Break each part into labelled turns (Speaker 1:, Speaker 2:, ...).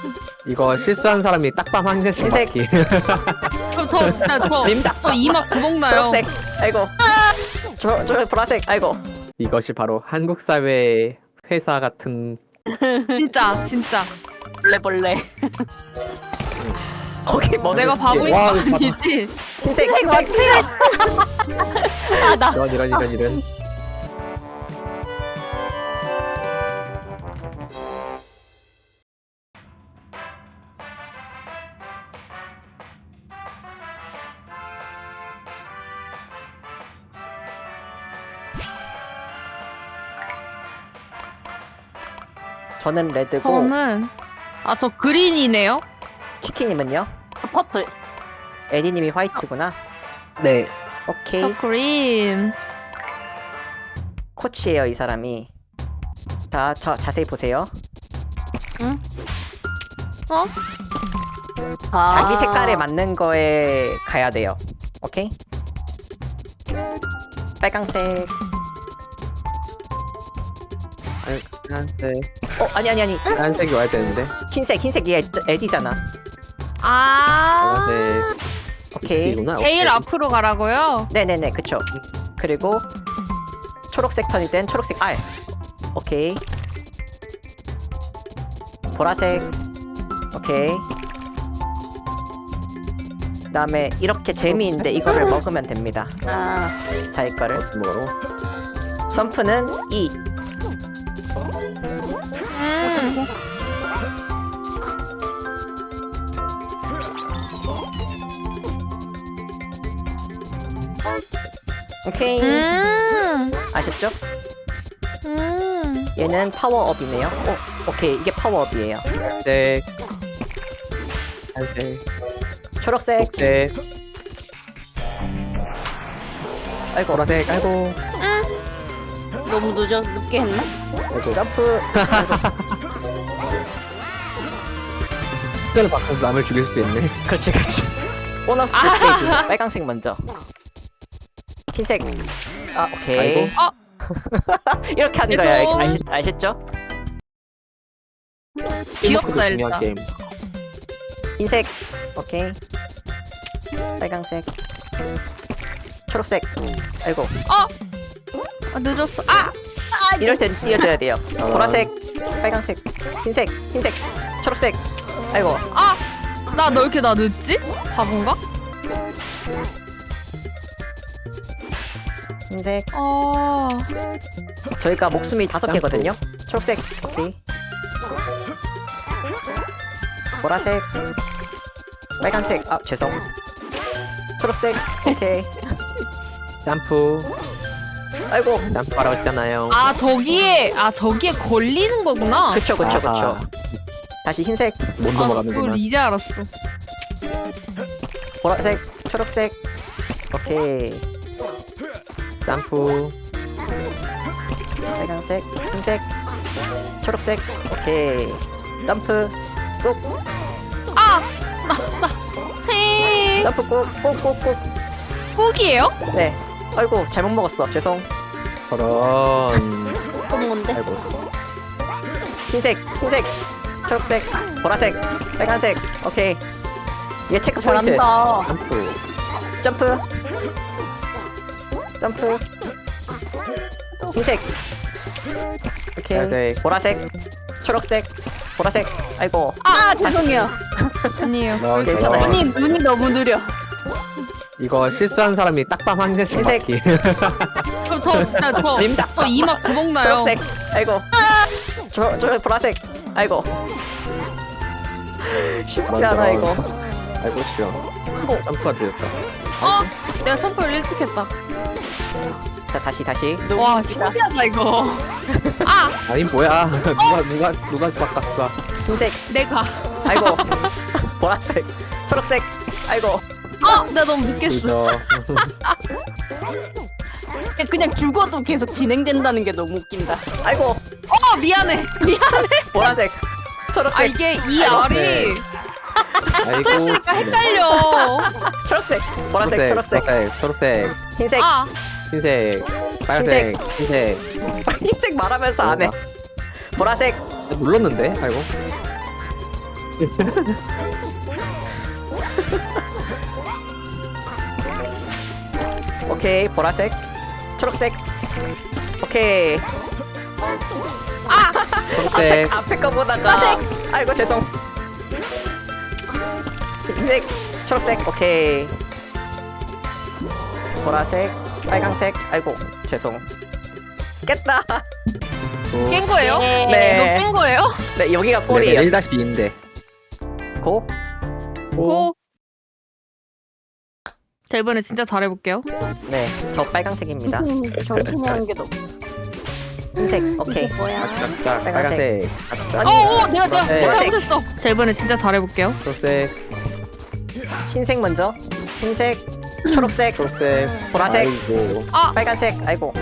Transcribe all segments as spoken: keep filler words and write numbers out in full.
Speaker 1: 이거 실수한 사람이 딱밤 한 개씩
Speaker 2: 흰색.
Speaker 1: 맞기.
Speaker 3: 저, 저 진짜 저,
Speaker 2: 림다.
Speaker 3: 저 이마 구멍 나요.
Speaker 2: 초록색. 아이고. 저, 저 보라색. 아이고.
Speaker 1: 이것이 바로 한국 사회의 회사 같은.
Speaker 3: 진짜 진짜.
Speaker 2: 벌레 벌레. 거기 뭐?
Speaker 3: 내가 바보인 거
Speaker 1: 와,
Speaker 3: 아니지?
Speaker 2: 흰색 흰색 흰색. 아 나.
Speaker 1: 이런 이런 이런 이런.
Speaker 2: 저는 레드고
Speaker 3: 저는 아 저 그린이네요.
Speaker 2: 키키님은요?
Speaker 4: 퍼플.
Speaker 2: 에디님이 화이트구나.
Speaker 1: 네.
Speaker 2: 오케이.
Speaker 3: 저 그린.
Speaker 2: 코치예요 이 사람이. 자, 저 자세히 보세요.
Speaker 4: 응?
Speaker 3: 어?
Speaker 4: 아.
Speaker 2: 자기 색깔에 맞는 거에 가야 돼요. 오케이? 빨강색.
Speaker 1: 아니, 하얀색.
Speaker 2: 어 아니 아니 아니.
Speaker 1: 하얀색이 와야 되는데.
Speaker 2: 흰색 흰색이 에, 에디잖아.
Speaker 3: 아.
Speaker 1: 하얀색.
Speaker 2: 오케이.
Speaker 1: 이구나.
Speaker 3: 제일
Speaker 1: 오케이.
Speaker 3: 앞으로 가라고요.
Speaker 2: 네네네 그쵸. 그리고 초록색 턴일 땐 초록색 R. 오케이. 보라색. 오케이. 그 다음에 이렇게 재미있는데 이거를 먹으면 됩니다.
Speaker 4: 아.
Speaker 2: 자 이거를.
Speaker 1: 뭐로?
Speaker 2: 점프는 E.
Speaker 3: 음.
Speaker 2: 오케이.
Speaker 3: 음.
Speaker 2: 아셨죠?
Speaker 3: 음.
Speaker 2: 얘는 파워업이네요. 오, 오케이 이게 파워업이에요.
Speaker 1: 하얀색. 하얀색.
Speaker 2: 초록색.
Speaker 1: 녹색.
Speaker 2: 아이고.
Speaker 1: 보라색. 아이고.
Speaker 4: 너무 늦어 늦게 했나?
Speaker 1: 아이고.
Speaker 2: 점프.
Speaker 1: 숫자를 바꿔서 남을 죽일 수도 있네.
Speaker 2: 그렇지 그렇지. 보너스 스테이지. 빨강색 먼저. 흰색. 아 오케이.
Speaker 1: 아이고.
Speaker 2: 이렇게 하는
Speaker 3: 죄송.
Speaker 2: 거예요. 아시, 아셨죠?
Speaker 3: 귀엽다
Speaker 1: 중요한
Speaker 3: 일단.
Speaker 1: 게임.
Speaker 2: 흰색. 오케이. 빨강색. 초록색. 아이고.
Speaker 3: 아 늦었어. 아.
Speaker 2: 이럴 땐 띄워줘야 돼요.
Speaker 1: 아.
Speaker 2: 보라색. 빨강색. 흰색. 흰색. 초록색. 아이고.
Speaker 3: 아. 나 너 이렇게 나 늦지? 바본가?
Speaker 2: 흰색.
Speaker 3: 아.
Speaker 2: 저희가 목숨이 다섯 개거든요. 초록색. 오케이. 보라색. 빨간색. 아 죄송. 초록색. 오케이.
Speaker 1: 점프.
Speaker 2: 아이고.
Speaker 1: 점프하라고 했잖아요.
Speaker 3: 아 저기에 아 저기에 걸리는 거구나.
Speaker 2: 그쵸 그쵸 그쵸.
Speaker 1: 아하.
Speaker 2: 다시 흰색.
Speaker 1: 못
Speaker 3: 아, 그걸
Speaker 1: 넘어가는구나.
Speaker 3: 이제 알았어.
Speaker 2: 보라색. 초록색. 오케이.
Speaker 1: 점프.
Speaker 2: 빨간색. 흰색. 초록색. 오케이. 점프. 꾹.
Speaker 3: 아. 나 나. 헤이.
Speaker 2: 점프 꾹. 꾹꾹꾹.
Speaker 3: 꾹이에요?
Speaker 2: 네. 아이고 잘못 먹었어. 죄송.
Speaker 1: 저런.
Speaker 4: 또 뭔데?
Speaker 1: 아이고.
Speaker 2: 흰색. 흰색. 초록색. 보라색. 빨간색. 오케이. 얘 체크 포인트.
Speaker 4: 잘한다.
Speaker 1: 점프.
Speaker 2: 점프. 점프. 흰색. 오케이.
Speaker 1: 하얀색.
Speaker 2: 보라색. 초록색. 보라색. 아이고.
Speaker 4: 아 죄송해요.
Speaker 3: 아니에요.
Speaker 1: 너,
Speaker 2: 괜찮아요.
Speaker 1: 저런.
Speaker 4: 눈이 눈이 너무 느려.
Speaker 1: 이거 실수한 사람이 딱밤 한 개씩
Speaker 2: 흰색.
Speaker 1: 맞기.
Speaker 3: 저, 저 진짜 저,
Speaker 2: 림다.
Speaker 3: 저 이마 구멍 나요.
Speaker 2: 초록색. 아이고. 저, 저 보라색. 아이고. 쉽지 않아 이거.
Speaker 1: 아이고 쉬워. 점프가 들렸다.
Speaker 3: 어? 내가 선풀 일찍 했다.
Speaker 2: 자 다시 다시.
Speaker 3: 와 신기하다 이거. 아
Speaker 1: 아니 뭐야? 누가 누가 누가 바꿨어?
Speaker 2: 흰색.
Speaker 3: 내가.
Speaker 2: 아이고. 보라색. 초록색. 아이고.
Speaker 3: 아 내가 너무 늦게 했어.
Speaker 1: 그죠.
Speaker 4: 그냥 죽어도 계속 진행된다는 게 너무 웃긴다.
Speaker 2: 아이고.
Speaker 3: 어 미안해 미안해.
Speaker 2: 보라색. 초록색.
Speaker 3: 아 이게 이
Speaker 2: 아이고,
Speaker 3: 알이
Speaker 1: 네. 아이고.
Speaker 3: 써있으니까 헷갈려.
Speaker 2: 초록색. 보라색. 초록색.
Speaker 1: 초록색, 초록색,
Speaker 2: 흰색.
Speaker 3: 아
Speaker 1: 흰색, 빨간색, 흰색.
Speaker 2: 흰색 말하면서 안 해. 보라색.
Speaker 1: 눌렀는데? 아이고.
Speaker 2: 오케이 보라색 초록색 오케이
Speaker 1: 초록색.
Speaker 2: 앞에 거 보다가 아이고 죄송 흰색 초록색 오케이 보라색 빨강색 아이고 죄송 깼다
Speaker 3: 깬 거예요?
Speaker 2: 네.
Speaker 3: 이거 깬 거예요?
Speaker 2: 네 여기가
Speaker 1: 레벨
Speaker 2: 골이에요
Speaker 1: 일 다시 이인데.
Speaker 2: 고
Speaker 3: 고. 자 이번에 진짜 잘해볼게요.
Speaker 2: 네 저 빨강색입니다
Speaker 4: 음, 정신이 한 개도 없어.
Speaker 2: 흰색 오케이
Speaker 4: 이게 뭐야?
Speaker 1: 짝짝. 빨간색. 짝짝.
Speaker 3: 어어 내가 내가
Speaker 1: 네.
Speaker 3: 내가 잘못했어. 자 이번에 진짜 잘해볼게요.
Speaker 1: 초록색.
Speaker 2: 흰색 먼저 흰색 초록색
Speaker 1: 초록색.
Speaker 2: 보라색.
Speaker 1: 아이고.
Speaker 3: 아
Speaker 2: 빨간색 아이고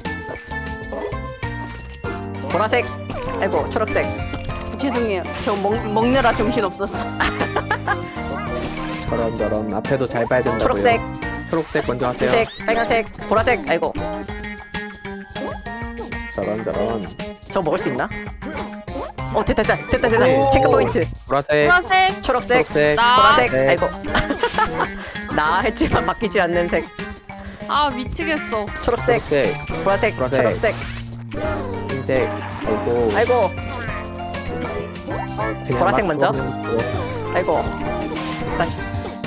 Speaker 2: 보라색 아이고 초록색
Speaker 4: 죄송해요. 저 먹, 먹느라 정신 없었어.
Speaker 1: 저런 저런. 앞에도 잘 봐야 된다고요.
Speaker 2: 초록색
Speaker 1: 초록색 먼저 하세요.
Speaker 2: 흰색 빨간색 보라색 아이고
Speaker 1: 저런 저런.
Speaker 2: 저 먹을 수 있나? 어 됐다 됐다 됐다 됐다
Speaker 1: 네.
Speaker 2: 체크 포인트
Speaker 1: 보라색.
Speaker 3: 보라색
Speaker 2: 초록색
Speaker 1: 초록색.
Speaker 3: 나.
Speaker 2: 보라색
Speaker 1: 네.
Speaker 2: 아이고 나 했지만 바뀌지 않는 색
Speaker 3: 아 미치겠어.
Speaker 2: 초록색
Speaker 1: 초록색.
Speaker 2: 보라색
Speaker 1: 보라색.
Speaker 2: 초록색
Speaker 1: 흰색. 아이고.
Speaker 2: 아이고
Speaker 1: 그냥
Speaker 2: 보라색
Speaker 1: 막
Speaker 2: 먼저?
Speaker 1: 들어오면
Speaker 2: 아이고 다시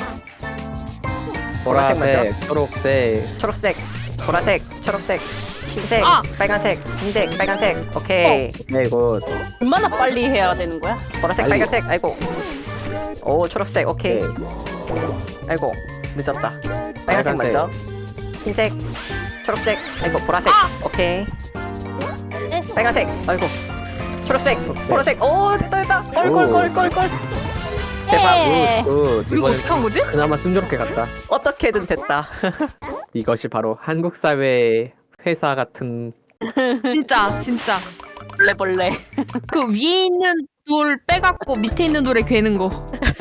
Speaker 2: 보라색
Speaker 1: 보라색. 초록색.
Speaker 2: 초록색 보라색 초록색 흰색
Speaker 3: 아.
Speaker 2: 빨간색 흰색 빨간색 오케이
Speaker 1: 오케이 굿.
Speaker 4: 얼마나 빨리 해야 되는 거야?
Speaker 2: 보라색
Speaker 1: 빨리.
Speaker 2: 빨간색 아이고 오 초록색 오케이
Speaker 1: 오케이.
Speaker 2: 아이고 늦었다 빨간색
Speaker 1: 빨간색.
Speaker 2: 먼저 흰색 초록색 아이고 보라색
Speaker 3: 아!
Speaker 2: 오케이 빨간색 아이고 초록색
Speaker 1: 초록색.
Speaker 2: 보라색 오 됐다 됐다
Speaker 1: 오.
Speaker 2: 꼴꼴꼴꼴꼴 대박
Speaker 4: 예.
Speaker 1: 굿.
Speaker 3: 우리가
Speaker 1: 이번엔
Speaker 3: 어떻게 한 거지?
Speaker 1: 그나마 순조롭게 갔다.
Speaker 2: 어떻게든 됐다
Speaker 1: 이것이 바로 한국 사회의 회사 같은.
Speaker 3: 진짜 진짜
Speaker 4: 벌레 벌레.
Speaker 3: 그 위에 있는 돌 빼갖고 밑에 있는 돌에 괴는 거.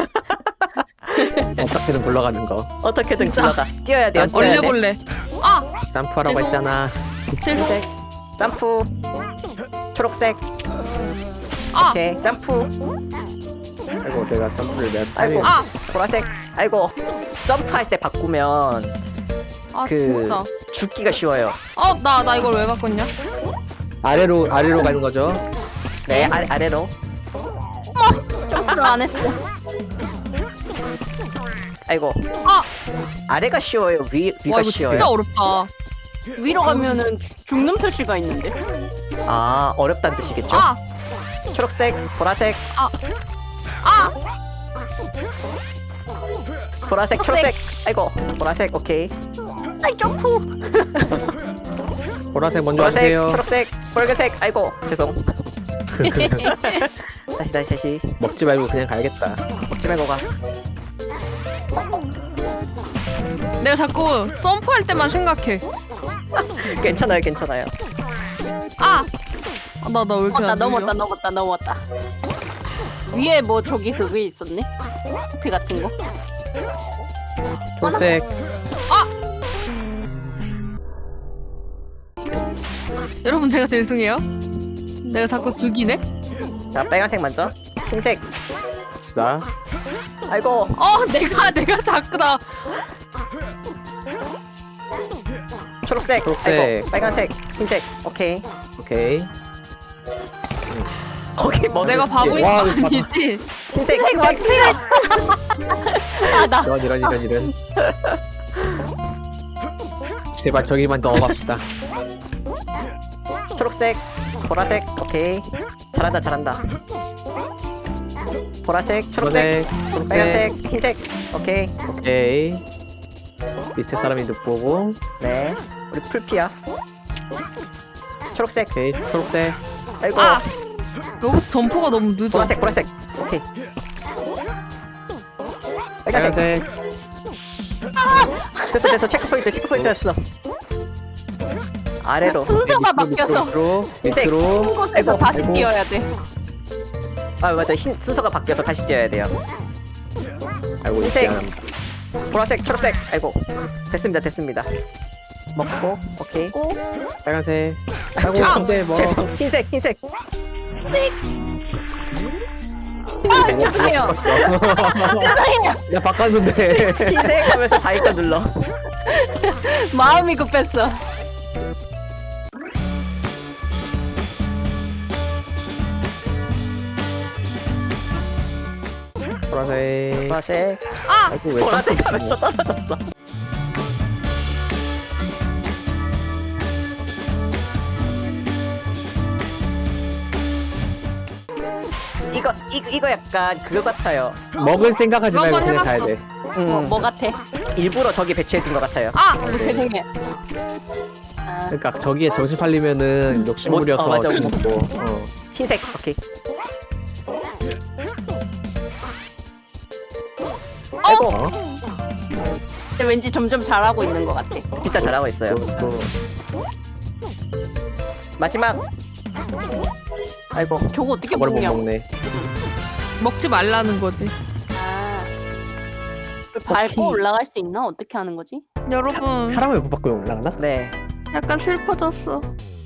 Speaker 1: 어떻게든 굴러가는 거.
Speaker 2: 어떻게든
Speaker 3: 진짜.
Speaker 2: 굴러가 뛰어야 돼요
Speaker 1: 난
Speaker 2: 뛰어야 돼
Speaker 3: 얼려볼래. 아
Speaker 1: 점프하라고
Speaker 3: 죄송.
Speaker 1: 했잖아.
Speaker 3: 죄송.
Speaker 2: 흰색 점프 초록색
Speaker 3: 아
Speaker 2: 오케이 점프
Speaker 1: 아이고 내가 점프를 내가
Speaker 2: 아이고
Speaker 1: 타이밍.
Speaker 3: 아,
Speaker 2: 보라색 아이고 점프할 때 바꾸면
Speaker 3: 아
Speaker 2: 그
Speaker 3: 진짜.
Speaker 2: 죽기가 쉬워요
Speaker 3: 어 나 나 이걸 왜 바꿨냐?
Speaker 1: 아래로 아래로 가는 거죠.
Speaker 2: 네 아래, 아래로
Speaker 4: 점프를 안 했어.
Speaker 2: 아이고
Speaker 3: 아,
Speaker 2: 아래가 쉬워요 위, 위가
Speaker 3: 와 이거
Speaker 2: 쉬워요
Speaker 3: 진짜 어렵다.
Speaker 4: 위로 가면은 죽- 죽는 표시가 있는데.
Speaker 2: 아 어렵다는 뜻이겠죠?
Speaker 3: 아,
Speaker 2: 초록색 보라색
Speaker 3: 아,
Speaker 2: 보라색 초록색 아이고 보라색 오케이
Speaker 4: 아이 점프.
Speaker 1: 보라색 먼저
Speaker 2: 보라색
Speaker 1: 하세요.
Speaker 2: 초록색 빨간색 아이고 죄송 다시 다시 다시
Speaker 1: 먹지 말고 그냥 가야겠다.
Speaker 2: 먹지 말고 가
Speaker 3: 내가 자꾸 점프할 때만 생각해.
Speaker 2: 괜찮아요 괜찮아요
Speaker 3: 아, 나 나 왜 이렇게
Speaker 4: 어, 나
Speaker 3: 안
Speaker 4: 넘었다
Speaker 3: 넘었다.
Speaker 4: 넘었다 넘었다. 위에 뭐 저기 그거 있었네? 커피 같은 거.
Speaker 1: 초록색.
Speaker 3: 여러분 제가 죄송해요. 내가 자꾸 죽이네.
Speaker 2: 자 빨간색 먼저 흰색
Speaker 1: 나.
Speaker 2: 아이고
Speaker 3: 어, 내가 내가 자꾸 나.
Speaker 2: 초록색,
Speaker 1: 초록색.
Speaker 2: 아이고 빨간색 흰색 오케이
Speaker 1: 오케이.
Speaker 2: 거기 뭐
Speaker 3: 내가 바보인 거
Speaker 1: 와, 이거 봐봐.
Speaker 3: 아니지?
Speaker 2: 흰색 흰색 흰색
Speaker 4: 아 나.
Speaker 1: 이런 이런 이런 이런. 제발 저기만 넣어봅시다.
Speaker 2: 초록색 보라색 오케이 잘한다 잘한다 보라색 초록색
Speaker 1: 초록색. 초록색.
Speaker 2: 빨간색 흰색 오케이
Speaker 1: 오케이. 밑에 사람이 늑보고.
Speaker 2: 네 우리 풀피야 초록색
Speaker 1: 오케이. 초록색.
Speaker 2: 아이고
Speaker 3: 아, 여기서 점프가 너무 늦어.
Speaker 2: 보라색 보라색 오케이 빨간색
Speaker 1: 빨간색.
Speaker 2: 됐어 됐어 체크포인트 체크포인트 됐어 아래로
Speaker 4: 순서가
Speaker 1: 밑으로,
Speaker 4: 바뀌어서
Speaker 1: 밑으로
Speaker 2: 흰색.
Speaker 1: 밑으로.
Speaker 4: 한 곳에서
Speaker 2: 아이고,
Speaker 4: 다시
Speaker 1: 아이고.
Speaker 4: 뛰어야 돼.
Speaker 2: 아 맞아 흰 순서가 바뀌어서 다시 뛰어야 돼요
Speaker 1: 아이고
Speaker 2: 흰색.
Speaker 1: 미안합니다.
Speaker 2: 보라색 초록색 아이고 됐습니다 됐습니다 먹고 오케이
Speaker 1: 빨간색.
Speaker 2: 아,
Speaker 1: 아이고
Speaker 2: 죄송
Speaker 1: 근데 뭐.
Speaker 2: 죄송 흰색 흰색
Speaker 4: 아 죄송해요. 죄송해요.
Speaker 1: 나 바꿨는데.
Speaker 2: 흰색 하면서 자기 거 눌러.
Speaker 4: 마음이 급했어.
Speaker 1: 보라색.
Speaker 2: 보라색.
Speaker 3: 아!
Speaker 1: 아이고 왜
Speaker 2: 보라색
Speaker 1: 깜빡이야.
Speaker 2: 하면서 떨어졌어. 이거 이, 이거 약간 그거 같아요.
Speaker 1: 먹을 생각하지
Speaker 3: 그거
Speaker 1: 말고
Speaker 3: 한번
Speaker 1: 그냥 가야
Speaker 3: 해봤어.
Speaker 1: 돼.
Speaker 2: 음,
Speaker 4: 뭐, 뭐 같아?
Speaker 2: 일부러 저기 배치해둔 것 같아요.
Speaker 3: 아!
Speaker 4: 어, 죄송해. 아,
Speaker 1: 그러니까 저기에 정신 팔리면은 욕심부려서
Speaker 2: 못- 어, 맞아.
Speaker 1: 먹고. 어.
Speaker 2: 흰색. 오케이. 아이고,
Speaker 1: 어?
Speaker 4: 근데 왠지 점점 잘하고 있는 것 같아.
Speaker 2: 진짜 잘하고 있어요.
Speaker 1: 또, 또.
Speaker 2: 마지막. 아이고,
Speaker 4: 저거 어떻게
Speaker 1: 저걸 못
Speaker 4: 먹냐고.
Speaker 1: 먹네.
Speaker 3: 먹지 말라는 거지.
Speaker 4: 아, 밟고
Speaker 2: 오케이.
Speaker 4: 올라갈 수 있나? 어떻게 하는 거지?
Speaker 3: 여러분,
Speaker 1: 사람을 못 바꾸면 올라가나?
Speaker 2: 네.
Speaker 3: 약간 슬퍼졌어.